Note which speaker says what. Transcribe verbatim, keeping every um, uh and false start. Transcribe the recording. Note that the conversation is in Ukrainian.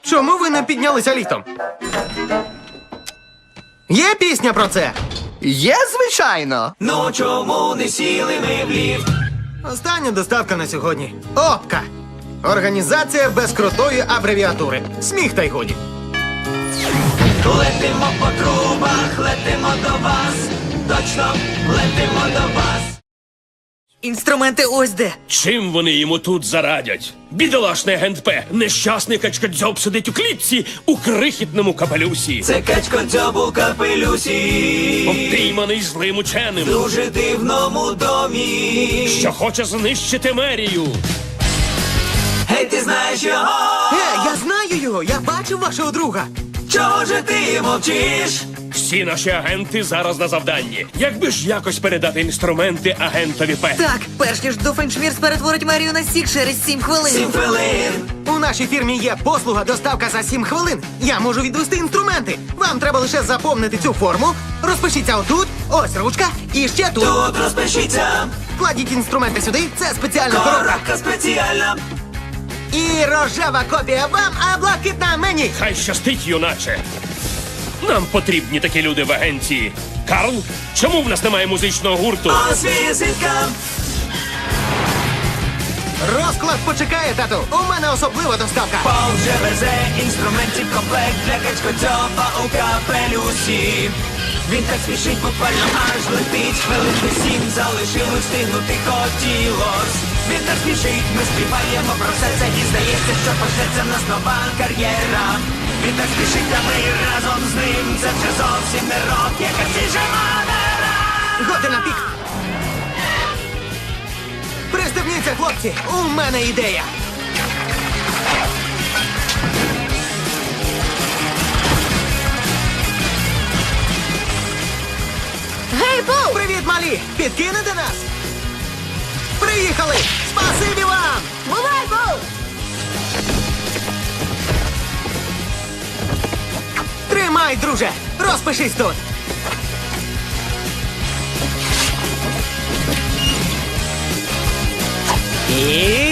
Speaker 1: Чому ви не піднялися літом? Є пісня про це?
Speaker 2: Є, звичайно.
Speaker 3: Ну чому не сіли ми в ліфт?
Speaker 1: Остання доставка на сьогодні. ОПКА. Організація без крутої абревіатури. Сміх та й годі.
Speaker 3: Летимо по трубах, летимо до вас. Точно, летимо до вас.
Speaker 4: Інструменти ось де.
Speaker 5: Чим вони йому тут зарадять? Бідолашний агент П, нещасний качкадзьоб сидить у клітці у крихітному капелюсі.
Speaker 3: Це качко дзьоб у капелюсі.
Speaker 5: Обпійманий злим ученим,
Speaker 3: В дуже дивному домі.
Speaker 5: що хоче знищити мерію.
Speaker 3: Гей, ти знаєш його?
Speaker 1: Е, я знаю його, я бачив вашого друга.
Speaker 3: Чого же ти мовчиш?
Speaker 5: Всі наші агенти зараз на завданні. Якби ж якось передати інструменти агентові П.
Speaker 4: Так, перш ніж Дофеншмірс перетворить Марію на сік через сім хвилин.
Speaker 3: Сім хвилин.
Speaker 1: У нашій фірмі є послуга доставка за сім хвилин. Я можу відвести інструменти. Вам треба лише заповнити цю форму. Розпишіться отут, ось ручка, і ще тут.
Speaker 3: Тут розпишіться.
Speaker 1: Кладіть інструменти сюди, це спеціальна коробка.
Speaker 3: Коробка спеціальна.
Speaker 1: І рожева копія вам, а блакитна мені.
Speaker 5: Хай щастить, юначе. Нам потрібні такі люди в агенції. Карл, чому в нас немає музичного гурту?
Speaker 3: Ось візитка.
Speaker 1: Розклад почекає, тату. У мене особлива доставка.
Speaker 3: Пол вже везе інструментів комплект для качкодзьоба у капелюсі. Він так спішить, буквально аж летить. Хвилин би сім залишилось, встигнути хотілось. Він так спішить, ми співаємо про все це і здається, що почнеться в нас нова кар'єра. Він так спішить, а ми разом з ним. Це вже зовсім не рок, яка свіжа манера.
Speaker 1: Готи на пік. Пристебніться, хлопці, у мене ідея.
Speaker 4: Гей, Пол!
Speaker 1: Привіт, малі! Підкинете нас? Приїхали! Спасибі вам!
Speaker 4: Бувай, Пол!
Speaker 1: Тримай, друже! Розпишись тут! І